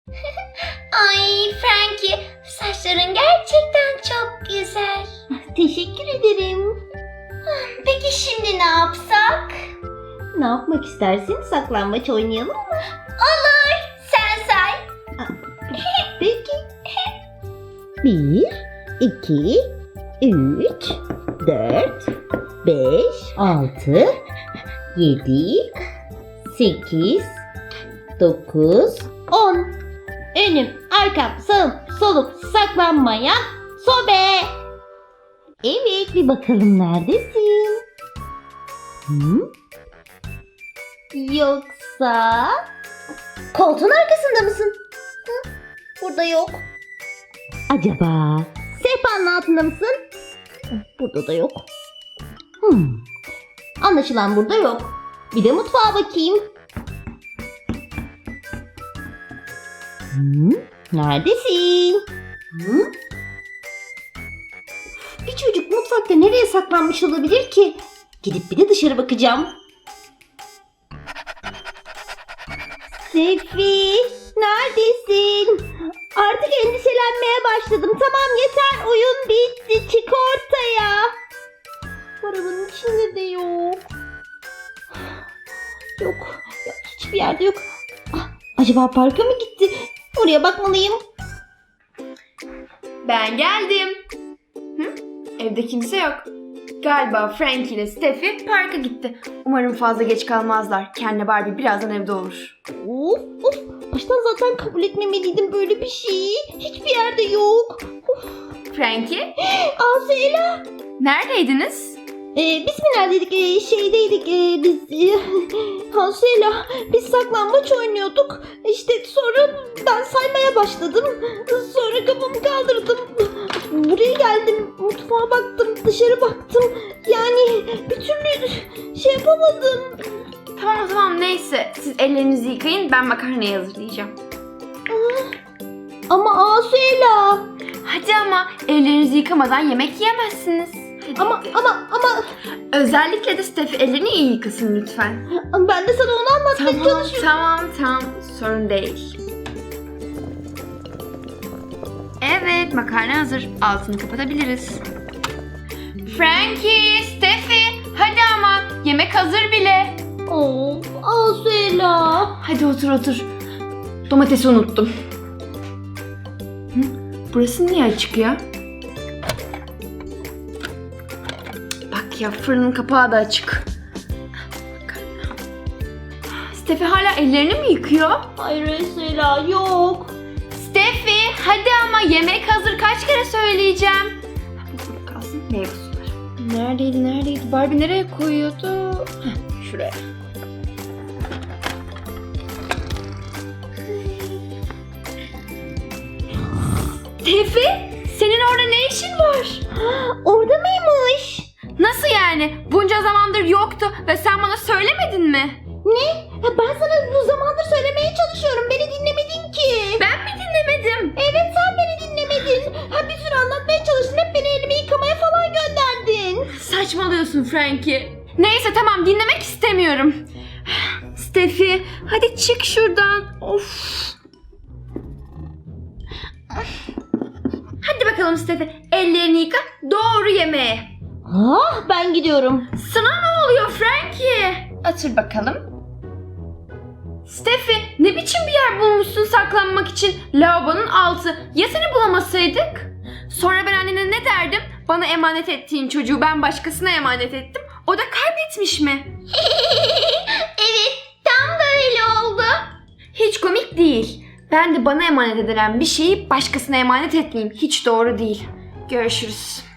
Ay Frankie, saçların gerçekten çok güzel. Teşekkür ederim. Peki şimdi ne yapsak? Ne yapmak istersin? Saklambaç oynayalım mı? Olur, sen say. Peki. 1, 2, 3, 4, 5, 6, 7, 8, 9, 10. Önüm, arkam, sağım, solum, saklanmayan sobe. Evet, bir bakalım neredesin? Hı? Yoksa koltuğun arkasında mısın? Hı? Burada yok. Acaba sehpanın altında mısın? Burada da yok. Anlaşılan burada yok. Bir de mutfağa bakayım. Neredesin? Bir çocuk mutfakta nereye saklanmış olabilir ki? Gidip bir de dışarı bakacağım. Sefi, neredesin? Artık endişelenmeye başladım. Tamam yeter, oyun bitti. Çık ortaya. Arabanın içinde de yok. Yok, ya hiçbir yerde yok. Acaba parka mı gitti? Oraya bakmalıyım. Ben geldim. Evde kimse yok. Galiba Frankie ile Steffi parka gitti. Umarım fazla geç kalmazlar. Ken'le Barbie birazdan evde olur. Of. Baştan zaten kabul etmemeliydim böyle bir şeyi. Hiçbir yerde yok. Frankie, Asela. neredeydiniz? Biz mi neredeydik? Şeydeydik. Asela. Biz saklambaç oynuyorduk. İşte sonra ben saymaya başladım. Sonra kafamı kaldırdım. Buraya geldim. Mutfağa baktım. Dışarı baktım. Yani bir türlü şey yapamadım. Tamam neyse. Siz ellerinizi yıkayın, ben makarnayı hazırlayacağım. Ama Asela. Hadi ama ellerinizi yıkamadan yemek yiyemezsiniz. Hadi. Ama Özellikle de Steffi ellerini iyi yıkasın lütfen. ben de sana onu anlatmaya çalışıyorum. Tamam. Sorun değil. Evet, makarna hazır. Altını kapatabiliriz. Frankie, Steffi, hadi ama. Yemek hazır bile. Of Asela. Hadi otur. Domatesi unuttum. Burası niye açık ya? Bak ya, fırının kapağı da açık. Steffi hala ellerini mi yıkıyor? Hayır Asela yok. Steffi, hadi ama yemek hazır, kaç kere söyleyeceğim. Burada kalsın, meyve suları. Neredeydi? Barbie nereye koyuyordu? Şuraya. Steffi, senin orada ne işin var? Orada mıymış? Nasıl yani? Bunca zamandır yoktu ve sen bana söylemedin mi? Ne? Ben sana bu zamandır söylemeye çalışıyorum. Beni dinlemedin ki. Ben mi dinlemedim? Evet sen beni dinlemedin. Bir sürü anlatmaya çalıştın. Hep beni elimi yıkamaya falan gönderdin. Saçmalıyorsun Frankie. Neyse tamam, dinlemek istemiyorum. Steffi, hadi çık şuradan. Of. Hadi bakalım Steffi, ellerini yıka, doğru yemeğe. Ben gidiyorum. Sana ne oluyor Frankie? Otur bakalım. Steffi, ne biçim bir yer bulmuşsun saklanmak için? Lavabonun altı. Ya seni bulamasaydık? Sonra ben annene ne derdim? Bana emanet ettiğin çocuğu ben başkasına emanet ettim. O da kaybetmiş mi? Evet, tam böyle oldu. Hiç komik değil. Ben de bana emanet edilen bir şeyi başkasına emanet etmeyeyim. Hiç doğru değil. Görüşürüz.